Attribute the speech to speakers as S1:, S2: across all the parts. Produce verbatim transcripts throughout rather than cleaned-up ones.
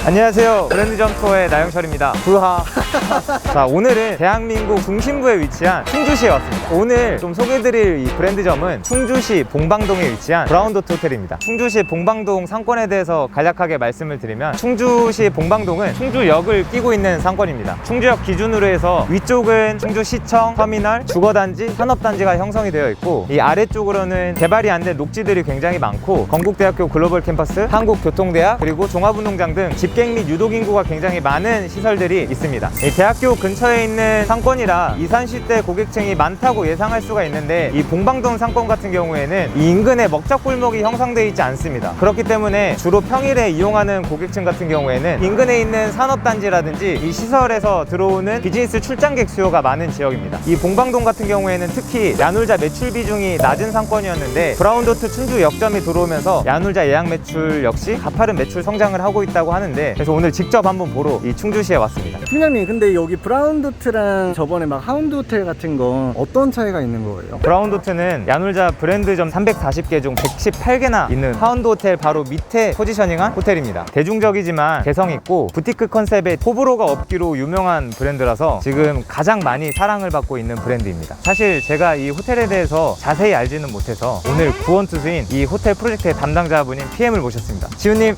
S1: 안녕하세요. 브랜드점 투어의 나영철입니다. 부하. 자, 오늘은 대한민국 중심부에 위치한 충주시에 왔습니다. 오늘 좀 소개해드릴 이 브랜드점은 충주시 봉방동에 위치한 브라운도트 호텔입니다. 충주시 봉방동 상권에 대해서 간략하게 말씀을 드리면, 충주시 봉방동은 충주역을 끼고 있는 상권입니다. 충주역 기준으로 해서 위쪽은 충주시청, 터미널, 주거단지, 산업단지가 형성이 되어 있고, 이 아래쪽으로는 개발이 안 된 녹지들이 굉장히 많고, 건국대학교 글로벌 캠퍼스, 한국교통대학, 그리고 종합운동장 등 집객 및 유독인구가 굉장히 많은 시설들이 있습니다. 이 대학교 근처에 있는 상권이라 이산시대 고객층이 많다고 예상할 수가 있는데, 이 봉방동 상권 같은 경우에는 이 인근에 먹자골목이 형성되어 있지 않습니다. 그렇기 때문에 주로 평일에 이용하는 고객층 같은 경우에는 인근에 있는 산업단지라든지 이 시설에서 들어오는 비즈니스 출장객 수요가 많은 지역입니다. 이 봉방동 같은 경우에는 특히 야놀자 매출 비중이 낮은 상권이었는데, 브라운도트 충주 역점이 들어오면서 야놀자 예약 매출 역시 가파른 매출 성장을 하고 있다고 하는데, 그래서 오늘 직접 한번 보러 이 충주시에 왔습니다.
S2: 팀장님, 근데 여기 브라운도트랑 저번에 막 하운드 호텔 같은 건 어떤 차이가 있는 거예요?
S1: 브라운도트는 야놀자 브랜드점 삼백사십 개 중 백십팔 개나 있는 하운드 호텔 바로 밑에 포지셔닝한 호텔입니다. 대중적이지만 개성있고 부티크 컨셉의 호불호가 없기로 유명한 브랜드라서 지금 가장 많이 사랑을 받고 있는 브랜드입니다. 사실 제가 이 호텔에 대해서 자세히 알지는 못해서 오늘 구원투수인 이 호텔 프로젝트의 담당자분인 피엠을 모셨습니다. 지훈님.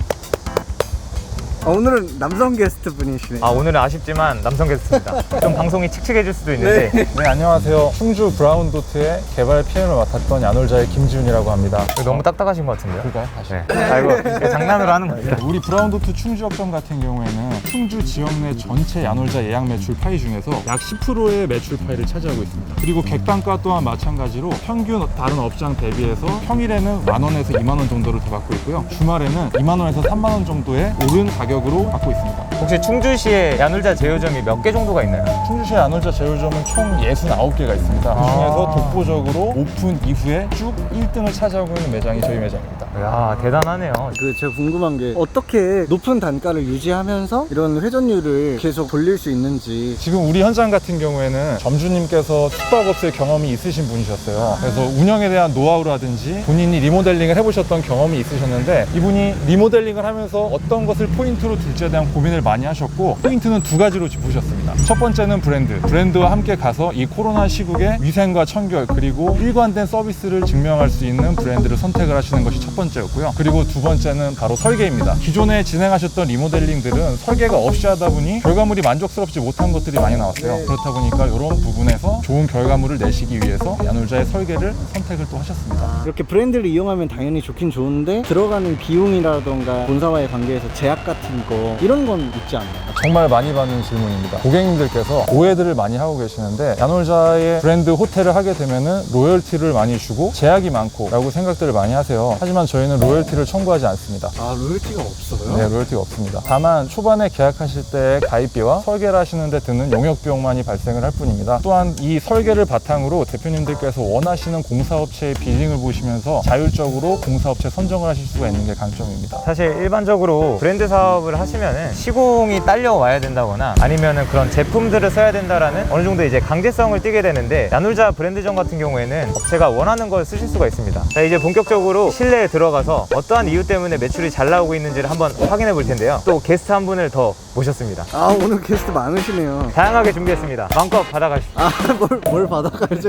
S2: 아, 오늘은 남성 게스트 분이시네요.
S1: 아, 오늘은 아쉽지만 남성 게스트입니다. 좀 방송이 칙칙해질 수도 있는데.
S2: 네.
S3: 네, 안녕하세요. 충주 브라운도트의 개발 피엠을 맡았던 야놀자의 김지훈이라고 합니다.
S1: 너무 딱딱하신 것 같은데요?
S3: 그럴까요? 다시.
S1: 네. 아이고, 장난으로 하는 겁니다.
S3: 우리 브라운도트 충주역점 같은 경우에는 충주 지역 내 전체 야놀자 예약 매출 파이 중에서 약 십 퍼센트의 매출 파이를 차지하고 있습니다. 그리고 객단가 또한 마찬가지로 평균 다른 업장 대비해서 평일에는 만 원에서 이만 원 정도를 더 받고 있고요. 주말에는 이만 원에서 삼만 원 정도의 오른 가격으로 받고 있습니다.
S1: 혹시 충주시에 야놀자 제휴점이 몇 개 정도가 있나요?
S3: 충주시의 야놀자 제휴점은 총 육십구 개가 있습니다. 그 중에서 독보적으로 오픈 이후에 쭉 일 등을 차지하고 있는 매장이 저희 매장입니다.
S1: 이야, 대단하네요.
S2: 그 제가 궁금한 게 어떻게 높은 단가를 유지하면서 이런 회전율을 계속 돌릴 수 있는지.
S3: 지금 우리 현장 같은 경우에는 점주님께서 숙박업소의 경험이 있으신 분이셨어요. 그래서 운영에 대한 노하우라든지 본인이 리모델링을 해보셨던 경험이 있으셨는데, 이분이 리모델링을 하면서 어떤 것을 포인트로 둘지에 대한 고민을 많이 하셨고, 포인트는 두 가지로 짚으셨습니다. 첫 번째는 브랜드. 브랜드와 함께 가서 이 코로나 시국에 위생과 청결 그리고 일관된 서비스를 증명할 수 있는 브랜드를 선택을 하시는 것이 첫 번째였고요. 그리고 두 번째는 바로 설계입니다. 기존에 진행하셨던 리모델링들은 설계가 없이 하다 보니 결과물이 만족스럽지 못한 것들이 많이 나왔어요. 그렇다 보니까 이런 부분에서 좋은 결과물을 내시기 위해서 야놀자의 설계를 선택을 또 하셨습니다.
S2: 이렇게 브랜드를 이용하면 당연히 좋긴 좋은데, 들어가는 비용이라던가 본사와의 관계에서 제약 같은 거, 이런 건 있지 않나요?
S3: 정말 많이 받는 질문입니다. 고객님들께서 오해들을 많이 하고 계시는데, 야놀자의 브랜드 호텔을 하게 되면은 로열티를 많이 주고 제약이 많고 라고 생각들을 많이 하세요. 하지만 저희는 로열티를 청구하지 않습니다.
S2: 아, 로열티가 없어요?
S3: 네, 로열티가 없습니다. 다만 초반에 계약하실 때 가입비와 설계를 하시는 데 드는 용역 비용만이 발생을 할 뿐입니다. 또한 이 설계를 바탕으로 대표님들께서 원하시는 공사업체의 빌링을 보시면서 자율적으로 공사업체 선정을 하실 수가 있는 게 강점입니다.
S1: 사실 일반적으로 브랜드 사업을 하시면은 시공이 딸려와야 된다거나 아니면은 그런 제품들을 써야 된다라는 어느 정도 이제 강제성을 띠게 되는데, 야놀자 브랜드점 같은 경우에는 업체가 원하는 걸 쓰실 수가 있습니다. 자, 이제 본격적으로 실내에 들어가서 어떠한 이유 때문에 매출이 잘 나오고 있는지를 한번 확인해 볼 텐데요. 또 게스트 한 분을 더 모셨습니다.
S2: 아, 오늘 게스트 많으시네요.
S1: 다양하게 준비했습니다. 마음껏 받아가십시오.
S2: 아, 뭘, 뭘 받아가야지.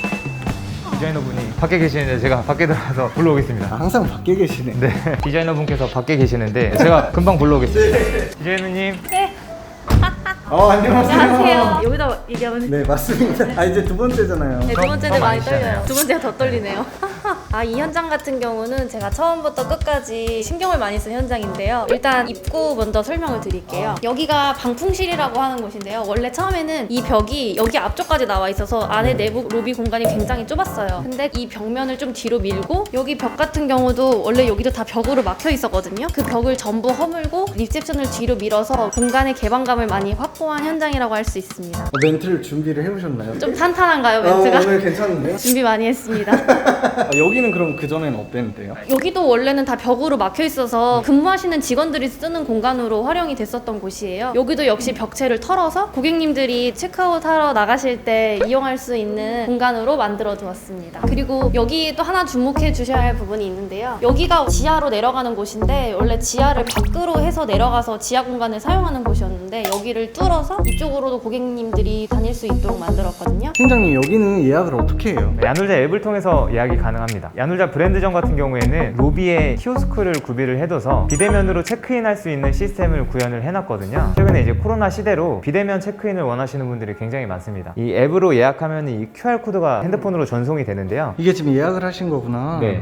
S1: 디자이너분이 밖에 계시는데 제가 밖에 들어가서 불러오겠습니다.
S2: 아, 항상 밖에 계시네.
S1: 네, 디자이너분께서 밖에 계시는데 제가 금방 불러오겠습니다. 디자이너님.
S4: 네.
S2: 어, 안녕하세요.
S4: 안녕하세요. 여기다 얘기하면
S2: 네, 맞습니다. 아, 이제 두 번째잖아요.
S4: 네, 두 번째는
S1: 더
S4: 많이
S1: 많이
S4: 떨려요.
S1: 시잖아요.
S4: 두 번째가 더 떨리네요. 아, 이 현장 같은 경우는 제가 처음부터 끝까지 신경을 많이 쓴 현장인데요. 일단 입구 먼저 설명을 드릴게요. 여기가 방풍실이라고 하는 곳인데요. 원래 처음에는 이 벽이 여기 앞쪽까지 나와 있어서 안에 내부 로비 공간이 굉장히 좁았어요. 근데 이 벽면을 좀 뒤로 밀고, 여기 벽 같은 경우도 원래 여기도 다 벽으로 막혀 있었거든요. 그 벽을 전부 허물고 리셉션을 뒤로 밀어서 공간의 개방감을 많이 확보한 현장이라고 할 수 있습니다.
S2: 어, 멘트를 준비를 해오셨나요?
S4: 좀 탄탄한가요,
S2: 아,
S4: 멘트가?
S2: 오늘 괜찮은데요?
S4: 준비 많이 했습니다.
S2: 아, 여기는 여기는 그럼 그전에는 어땠는데요?
S4: 여기도 원래는 다 벽으로 막혀 있어서 근무하시는 직원들이 쓰는 공간으로 활용이 됐었던 곳이에요. 여기도 역시 벽체를 털어서 고객님들이 체크아웃 하러 나가실 때 이용할 수 있는 공간으로 만들어 두었습니다. 그리고 여기 또 하나 주목해 주셔야 할 부분이 있는데요. 여기가 지하로 내려가는 곳인데 원래 지하를 밖으로 해서 내려가서 지하 공간을 사용하는 곳이었는데 여기를 뚫어서 이쪽으로도 고객님들이 다닐 수 있도록 만들었거든요.
S2: 팀장님 여기는 예약을 어떻게 해요?
S1: 야놀자 앱을 통해서 예약이 가능합니다. 야놀자 브랜드점 같은 경우에는 로비에 키오스크를 구비를 해둬서 비대면으로 체크인할 수 있는 시스템을 구현을 해놨거든요. 최근에 이제 코로나 시대로 비대면 체크인을 원하시는 분들이 굉장히 많습니다. 이 앱으로 예약하면 이 큐알 코드가 핸드폰으로 전송이 되는데요.
S2: 이게 지금 예약을 하신 거구나.
S1: 네.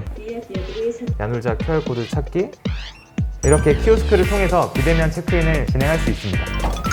S1: 야놀자 큐알 코드 찾기, 이렇게 키오스크를 통해서 비대면 체크인을 진행할 수 있습니다.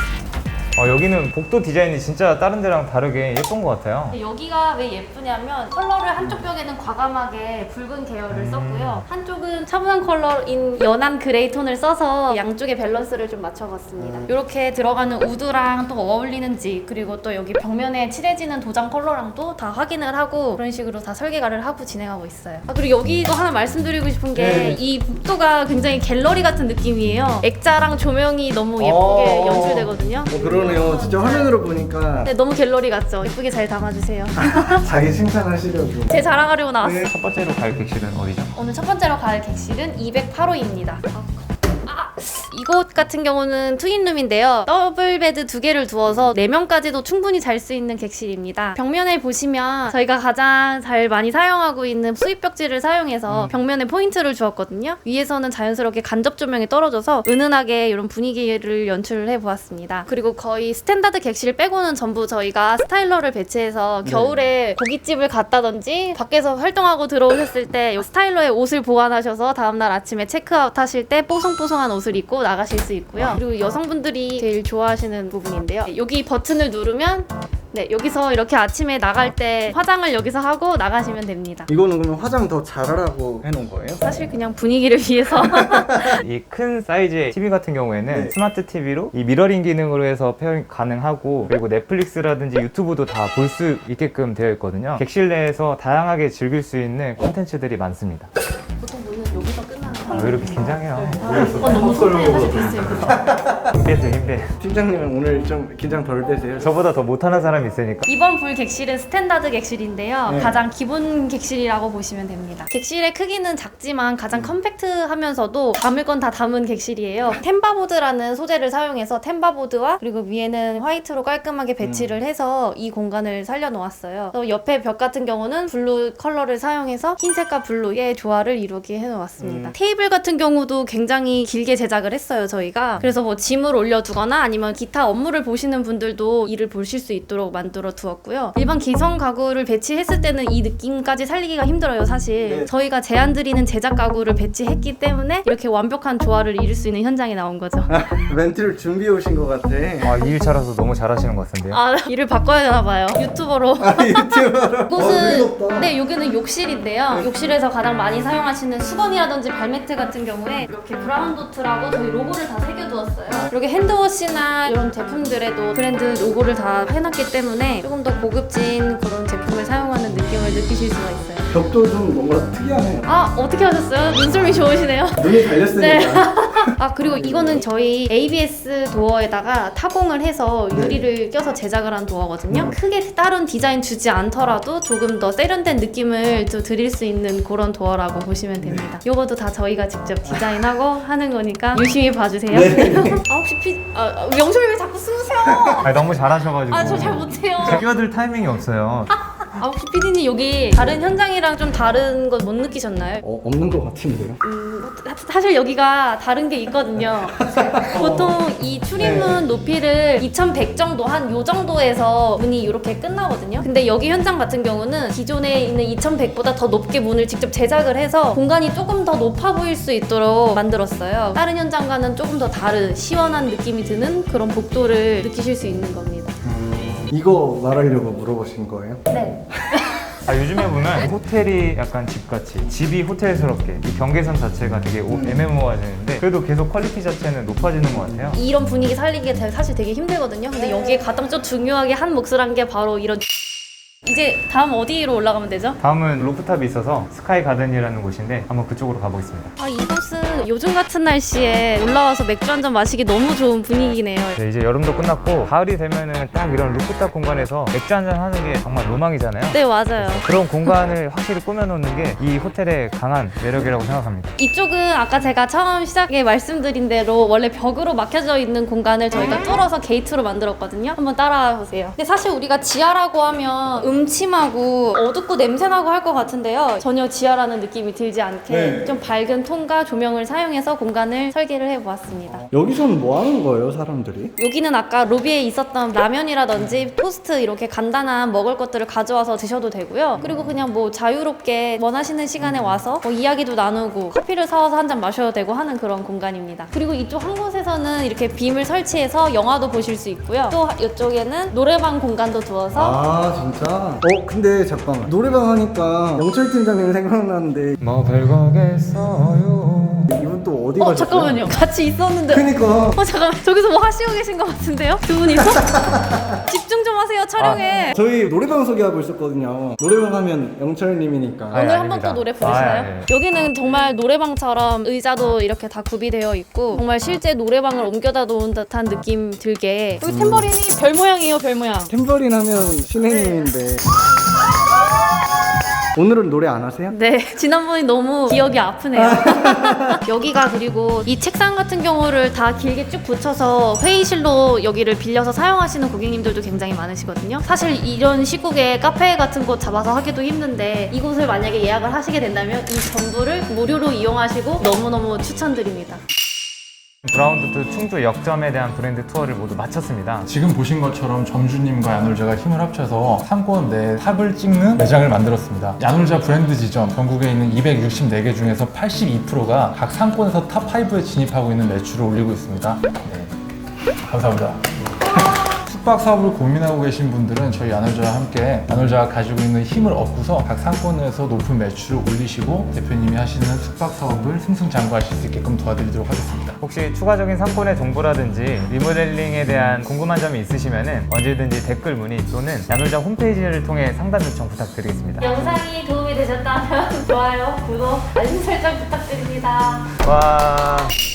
S1: 어, 여기는 복도 디자인이 진짜 다른 데랑 다르게 예쁜 것 같아요.
S4: 근데 여기가 왜 예쁘냐면 컬러를 한쪽 벽에는 과감하게 붉은 계열을
S1: 음.
S4: 썼고요. 한쪽은 차분한 컬러인 연한 그레이 톤을 써서 양쪽의 밸런스를 좀 맞춰봤습니다. 이렇게 들어가는 우드랑 또 어울리는지, 그리고 또 여기 벽면에 칠해지는 도장 컬러랑도 다 확인을 하고 그런 식으로 다 설계가를 하고 진행하고 있어요. 아, 그리고 여기도 하나 말씀드리고 싶은 게 이 복도가 굉장히 갤러리 같은 느낌이에요. 액자랑 조명이 너무 예쁘게
S2: 어.
S4: 연출되거든요.
S2: 어, 그러네요. 진짜 화면으로 보니까
S4: 네, 너무 갤러리 같죠? 예쁘게 잘 담아주세요.
S2: 자기 칭찬하시려고.
S4: 제 자랑하려고 나왔어요.
S1: 첫 번째로 갈 객실은 어디죠?
S4: 오늘 첫 번째로 갈 객실은 이백팔 호입니다. 아, 이곳 같은 경우는 트윈룸인데요. 더블 베드 두 개를 두어서 네 명까지도 충분히 잘 수 있는 객실입니다. 벽면에 보시면 저희가 가장 잘 많이 사용하고 있는 수입 벽지를 사용해서 벽면에 포인트를 주었거든요. 위에서는 자연스럽게 간접 조명이 떨어져서 은은하게 이런 분위기를 연출을 해보았습니다. 그리고 거의 스탠다드 객실 빼고는 전부 저희가 스타일러를 배치해서 겨울에 고깃집을 갔다든지 밖에서 활동하고 들어오셨을 때 이 스타일러에 옷을 보관하셔서 다음날 아침에 체크아웃 하실 때 뽀송뽀송한 옷을 입고 나가실 수 있고요. 그리고 여성분들이 제일 좋아하시는 부분인데요. 여기 버튼을 누르면 네, 여기서 이렇게 아침에 나갈 때 화장을 여기서 하고 나가시면 됩니다.
S2: 이거는 그러면 화장 더 잘하라고 해놓은 거예요?
S4: 사실 그냥 분위기를 위해서
S1: 이 큰 사이즈의 티비 같은 경우에는
S2: 네.
S1: 스마트 티비로 이 미러링 기능으로 해서 페어링 가능하고, 그리고 넷플릭스라든지 유튜브도 다 볼 수 있게끔 되어 있거든요. 객실 내에서 다양하게 즐길 수 있는 콘텐츠들이 많습니다.
S4: 보통 문은 여기서 끝나는
S1: 아, 왜 이렇게 긴장해요?
S4: 어, 너무 소중해 사실 됐어요.
S1: 힘 빼세요, 힘 빼.
S2: 팀장님은 오늘 좀 긴장 덜 되세요?
S1: 저보다 더 못하는 사람이 있으니까.
S4: 이번 볼 객실은 스탠다드 객실인데요.
S2: 네.
S4: 가장 기본 객실이라고 보시면 됩니다. 객실의 크기는 작지만 가장 컴팩트하면서도 담을 건 다 담은 객실이에요. 템바보드라는 소재를 사용해서 템바보드와 그리고 위에는 화이트로 깔끔하게 배치를 해서 이 공간을 살려놓았어요. 또 옆에 벽 같은 경우는 블루 컬러를 사용해서 흰색과 블루의 조화를 이루게 해놓았습니다.
S2: 음.
S4: 테이블 같은 경우도 굉장히 길게 제작을 했어요, 저희가. 그래서 뭐 짐을 올려두거나 아니면 기타 업무를 보시는 분들도 이를 보실 수 있도록 만들어 두었고요. 일반 기성 가구를 배치했을 때는 이 느낌까지 살리기가 힘들어요, 사실.
S2: 네.
S4: 저희가 제안 드리는 제작 가구를 배치했기 때문에 이렇게 완벽한 조화를 이룰 수 있는 현장이 나온 거죠.
S2: 멘트를 준비해 오신 것 같아.
S1: 아, 이 일차라서 너무 잘하시는 것 같은데요?
S4: 아, 일을 바꿔야 되나 봐요. 유튜버로.
S2: 아, 유튜버로.
S4: 이곳은 네, 여기는 욕실인데요. 욕실에서 가장 많이 사용하시는 수건이라든지 발매트 같은 경우에 이렇게 브라운 도트라고 저희 로고를 다 새겨두었어요. 이렇게 핸드워시나 이런 제품들에도 브랜드 로고를 다 해놨기 때문에 조금 더 고급진 그런 제품을 사용하는 느낌을 느끼실 수가 있어요.
S2: 벽도 좀 뭔가 특이하네요.
S4: 아, 어떻게 하셨어요? 눈썰미 좋으시네요.
S2: 눈이 달렸으니까.
S4: 네. 아, 그리고 이거는 저희 에이비에스 도어에다가 타공을 해서 유리를 껴서 제작을 한 도어거든요. 크게 다른 디자인 주지 않더라도 조금 더 세련된 느낌을 또 드릴 수 있는 그런 도어라고 보시면 됩니다. 요것도 다 저희가 직접 디자인하고 하는 거니까 유심히 봐주세요.
S2: 네.
S4: 아, 혹시 피... 아, 영철이 왜 자꾸 숨으세요?
S1: 아니, 너무 잘하셔가지고.
S4: 아, 저 잘 못해요.
S1: 끼어들 타이밍이 없어요.
S4: 아, 혹시 피디님 여기 다른 현장이랑 좀 다른 거 못 느끼셨나요?
S2: 어, 없는 것 같은데요?
S4: 음, 사- 사실 여기가 다른 게 있거든요. 보통 이 출입문 높이를 이천백 정도, 한 요 정도에서 문이 이렇게 끝나거든요. 근데 여기 현장 같은 경우는 기존에 있는 이천백보다 더 높게 문을 직접 제작을 해서 공간이 조금 더 높아 보일 수 있도록 만들었어요. 다른 현장과는 조금 더 다른 시원한 느낌이 드는 그런 복도를 느끼실 수 있는 겁니다.
S2: 음, 이거 말하려고 물어보신 거예요?
S4: 네.
S1: 아, 요즘에 보면 호텔이 약간 집같이, 집이 호텔스럽게, 이 경계선 자체가 되게 오- 애매모호해지는데 그래도 계속 퀄리티 자체는 높아지는 것 같아요.
S4: 이런 분위기 살리기 사실 되게 힘들거든요. 근데 여기에 가장 좀 중요하게 한 몫을 한 게 바로 이런 이제 다음 어디로 올라가면 되죠?
S1: 다음은 루프탑이 있어서 스카이 가든이라는 곳인데 한번 그쪽으로 가보겠습니다.
S4: 아, 이곳은 요즘 같은 날씨에 올라와서 맥주 한 잔 마시기 너무 좋은 분위기네요.
S1: 네, 이제 여름도 끝났고 가을이 되면은 딱 이런 루프탑 공간에서 맥주 한잔 하는 게 정말 로망이잖아요.
S4: 네, 맞아요.
S1: 그런 공간을 확실히 꾸며놓는 게 이 호텔의 강한 매력이라고 생각합니다.
S4: 이쪽은 아까 제가 처음 시작에 말씀드린 대로 원래 벽으로 막혀져 있는 공간을 저희가 뚫어서 게이트로 만들었거든요. 한번 따라와 보세요. 근데 사실 우리가 지하라고 하면 음침하고 어둡고 냄새나고 할 것 같은데요. 전혀 지하라는 느낌이 들지 않게
S2: 네.
S4: 좀 밝은 톤과 조명을 사용해서 공간을 설계를 해보았습니다.
S2: 여기서는 뭐 하는 거예요, 사람들이?
S4: 여기는 아까 로비에 있었던 라면이라든지 토스트 이렇게 간단한 먹을 것들을 가져와서 드셔도 되고요. 그리고 그냥 뭐 자유롭게 원하시는 시간에 와서 뭐 이야기도 나누고 커피를 사와서 한 잔 마셔도 되고 하는 그런 공간입니다. 그리고 이쪽 한 곳에서는 이렇게 빔을 설치해서 영화도 보실 수 있고요. 또 이쪽에는 노래방 공간도 두어서
S2: 아 진짜? 어 근데 잠깐만 노래방 하니까 영철 팀장님 생각나는데
S1: 뭐 별거겠어요.
S2: 이분 또 어디
S4: 어
S2: 가셨어요?
S4: 잠깐만요. 같이 있었는데
S2: 그니까
S4: 어 잠깐만 저기서 뭐 하시고 계신 것 같은데요? 두 분이서? 집중 좀 하세요 촬영에.
S2: 저희 노래방 소개하고 있었거든요. 노래방 하면 영철님이니까.
S1: 아니,
S4: 오늘 한 번
S1: 아닙니다.
S4: 또 노래 부르시나요?
S1: 아, 예, 예.
S4: 여기는 정말 노래방처럼 의자도 이렇게 다 구비되어 있고 정말 실제 노래방을 옮겨다 놓은 듯한 느낌 들게 여기 탬버린이 별 모양이에요 별 모양.
S2: 탬버린 하면 신혜님인데 오늘은 노래 안 하세요?
S4: 네, 지난번이 너무 기억이 아프네요. 여기가 그리고 이 책상 같은 경우를 다 길게 쭉 붙여서 회의실로 여기를 빌려서 사용하시는 고객님들도 굉장히 많으시거든요. 사실 이런 시국에 카페 같은 곳 잡아서 하기도 힘든데 이곳을 만약에 예약을 하시게 된다면 이 전부를 무료로 이용하시고 너무너무 추천드립니다.
S1: 브라운도트 충주 역점에 대한 브랜드 투어를 모두 마쳤습니다.
S3: 지금 보신 것처럼 점주님과 야놀자가 힘을 합쳐서 상권 내 탑을 찍는 매장을 만들었습니다. 야놀자 브랜드 지점 전국에 있는 이백육십사 개 중에서 팔십이 퍼센트가 각 상권에서 탑 오에 진입하고 있는 매출을 올리고 있습니다. 네. 감사합니다. 숙박 사업을 고민하고 계신 분들은 저희 야놀자와 함께 야놀자가 가지고 있는 힘을 얻고서 각 상권에서 높은 매출을 올리시고 대표님이 하시는 숙박 사업을 승승장구하실 수 있게끔 도와드리도록 하겠습니다.
S1: 혹시 추가적인 상권의 정보라든지 리모델링에 대한 궁금한 점이 있으시면 언제든지 댓글 문의 또는 야놀자 홈페이지를 통해 상담 요청 부탁드리겠습니다.
S4: 영상이 도움이 되셨다면 좋아요, 구독, 알림 설정 부탁드립니다.
S1: 와.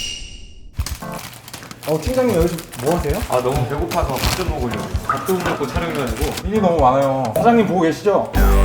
S2: 어 팀장님 여기서 뭐 하세요?
S1: 아 너무 배고파서 밥 좀 먹으려고. 밥도 못 먹고 촬영해가지고.
S3: 일이 너무 많아요. 사장님 보고 계시죠?